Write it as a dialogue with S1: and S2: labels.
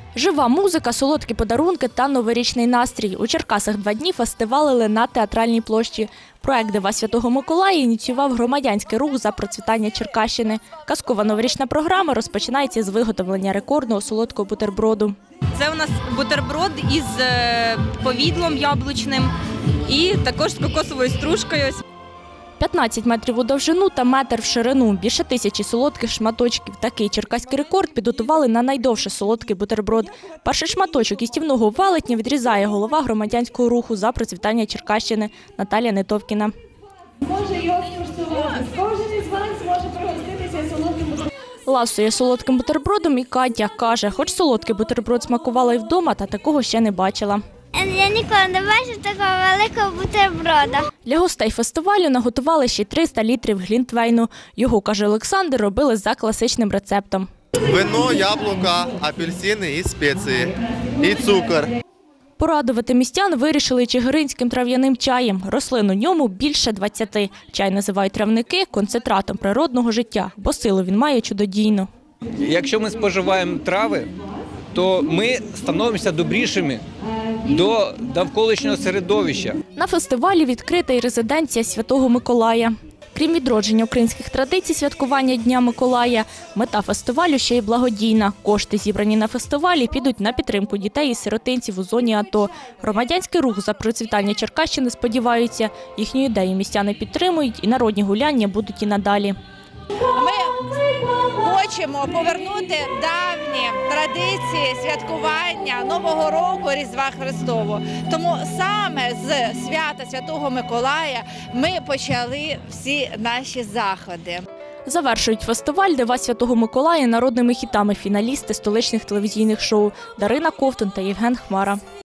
S1: Жива музика, солодкі подарунки та новорічний настрій. У Черкасах 2 дні фестивалили на Театральній площі. Проект «Дива Святого Миколая» ініціював громадянський рух за процвітання Черкащини. Казкова новорічна програма розпочинається з виготовлення рекордного солодкого бутерброду.
S2: Це у нас бутерброд із повідлом яблучним і також з кокосовою стружкою.
S1: 15 метрів у довжину та метр в ширину. Більше 1000 солодких шматочків. Такий черкаський рекорд підготували на найдовший солодкий бутерброд. Перший шматочок їстівного велетня відрізає голова громадянського руху за процвітання Черкащини Наталія Нетовкіна.
S3: Може його куштувати. Кожен із вас може пригоститися солодким бутербродом.
S1: Ласує солодким бутербродом і Катя. Каже, хоч солодкий бутерброд смакувала і вдома, та такого ще не бачила.
S4: Я ніколи не бачив такого великого бутерброда.
S1: Для гостей фестивалю наготували ще 300 літрів глінтвейну. Його, каже Олександр, робили за класичним рецептом.
S5: Вино, яблука, апельсини і спеції, і цукор.
S1: Порадувати містян вирішили чигиринським трав'яним чаєм. Рослин у ньому більше 20. Чай називають травники концентратом природного життя, бо силу він має чудодійну.
S6: Якщо ми споживаємо трави, то ми становимося добрішими до навколишнього середовища.
S1: На фестивалі відкрита і резиденція Святого Миколая. Крім відродження українських традицій святкування Дня Миколая, мета фестивалю ще й благодійна. Кошти, зібрані на фестивалі, підуть на підтримку дітей і сиротинців у зоні АТО. Громадянський рух за процвітання Черкащини сподіваються, їхню ідею містяни підтримують і народні гуляння будуть і надалі.
S7: Ми хочемо повернути давні традиції святкування Нового року, Різдва Христового. Тому саме з свята Святого Миколая ми почали всі наші заходи.
S1: Завершують фестиваль «Дива Святого Миколая» народними хітами фіналісти столичних телевізійних шоу Дарина Ковтун та Євген Хмара.